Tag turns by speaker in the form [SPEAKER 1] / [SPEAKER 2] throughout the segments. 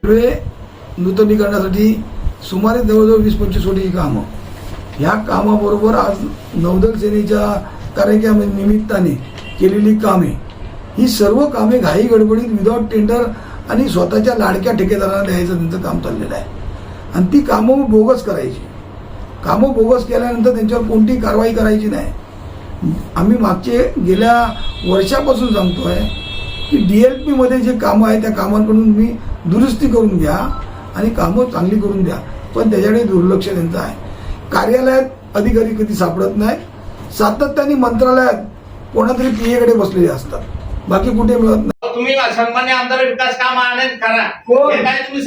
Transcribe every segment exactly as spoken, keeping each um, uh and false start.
[SPEAKER 1] Railway नूतनीकरणासाठी सुमारे जवळजवळ वीस पंचवीस कोटी कामं. ह्या कामाबरोबर आज नौदल सेनेच्या कार्यक्रमा निमित्ताने केलेली कामे, ही सर्व कामे घाई गडबडीत विदाउट टेंडर आणि स्वतःच्या लाडक्या ठेकेदारांना द्यायचं त्यांचं काम चाललेलं आहे. आणि ती कामं बोगस करायची. कामं बोगस केल्यानंतर त्यांच्यावर कोणतीही कारवाई करायची नाही. आम्ही मागचे गेल्या वर्षापासून सांगतो आहे की डी एल पीमध्ये जे कामं आहे त्या कामांकडून मी दुरुस्ती करून घ्या आणि कामं चांगली करून द्या, पण त्याच्याकडे दुर्लक्ष त्यांचं आहे. कार्यालयात अधिकारी कधी सापडत नाही. सातत्याने मंत्रालयात कोणातरी पी एकडे बसलेले असतात, बाकी कुठे मिळत नाही.
[SPEAKER 2] तुम्ही सन्मान्य आमदार विकास काम आनंद करा.
[SPEAKER 1] हे काय तुम्ही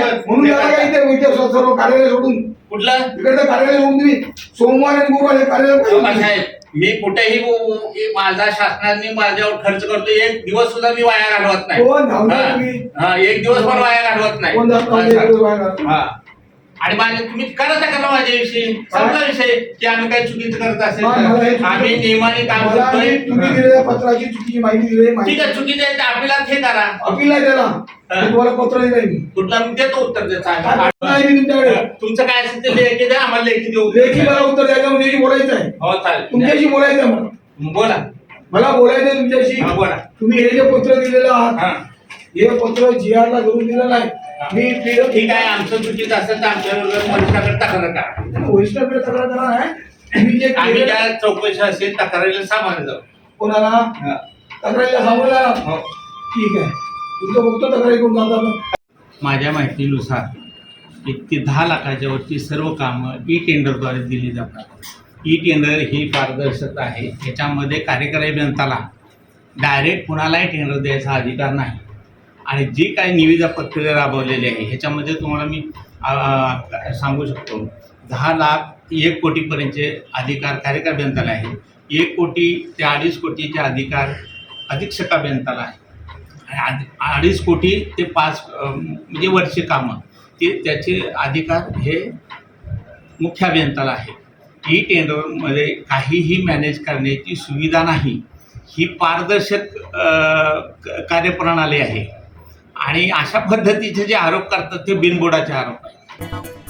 [SPEAKER 1] सर्व कार्यालय सोडून कुठलं इकडचं कार्यालय सोडून तुम्ही सोमवार आणि गुरुवार हे कार्यालय.
[SPEAKER 2] मी कुठेही माझा शासनाने माझ्यावर खर्च करतो, एक दिवस सुद्धा मी वाया घालवत नाही. एक दिवस पण वाया घालवत नाही. आणि माझे तुम्ही करत करा माझ्याविषयी समजा विषय की आम्ही काही चुकीचं करत असेल तर आम्ही नियमाने काम करतोय.
[SPEAKER 1] तुम्ही दिलेल्या पत्राची चुकीची माहिती दिली,
[SPEAKER 2] ठीक आहे, चुकीचं आहे अपिलात हे करा.
[SPEAKER 1] अपील द्याला तुम्हाला पत्र दिलंय मी,
[SPEAKER 2] कुठला मी देतो उत्तर
[SPEAKER 1] तुमच्याकडे.
[SPEAKER 2] तुमचं काय असेल ते लेखी द्या, आम्हाला लेखी देऊ.
[SPEAKER 1] लेखी मला उत्तर द्यायला म्हणजे बोलायचं आहे.
[SPEAKER 2] हो चालेल,
[SPEAKER 1] तुमच्याशी बोलायचं आहे. मला
[SPEAKER 2] बोला
[SPEAKER 1] मला बोलायचं आहे तुमच्याशी.
[SPEAKER 2] बोला.
[SPEAKER 1] तुम्ही हे जे पत्र दिलेलं आहात हे पत्र जी आर ला करून दिलं नाही. मी
[SPEAKER 2] ठीक आहे, आमचं चुकीचं असेल तर आमच्याबरोबर वरिष्ठाकडे तक्रार करा.
[SPEAKER 1] वरिष्ठाकडे तक्रार करा नाही. मी जे
[SPEAKER 2] आम्ही ज्या चौकशी असेल तक्रारीला सामोरे जाऊ.
[SPEAKER 1] कोणाला तक्रारीला सामोरे जाणार? ठीक आहे, तुमचं बघतो तक्रारी करून जातात.
[SPEAKER 2] माझ्या माहितीनुसार एक ते दहा लाखाच्या वरती सर्व कामं ई टेंडरद्वारे दिली जातात. ई टेंडर ही पारदर्शकता आहे. याच्यामध्ये कार्यकारी अभियंत्याला डायरेक्ट कुणालाही टेंडर द्यायचा अधिकार नाही. आणि जी काही निविदा प्रक्रिया राबवलेली आहे ह्याच्यामध्ये तुम्हाला मी सांगू शकतो, दहा लाख एक कोटीपर्यंतचे अधिकार कार्यकारी अभियंत्याला आहे. एक कोटी ते अडीच कोटीचे अधिकार अधीक्षक अभियंत्याला आहे. आणि अडीच कोटी ते पाच म्हणजे वर्षे कामं ते त्याचे अधिकार हे मुख्य अभियंत्याला आहे. ई टेंडरमध्ये काहीही मॅनेज करण्याची सुविधा नाही. ही पारदर्शक कार्यप्रणाली आहे. आणि अशा पद्धतीचे जे आरोप करतात ते बिनबुडाचे आरोप आहेत.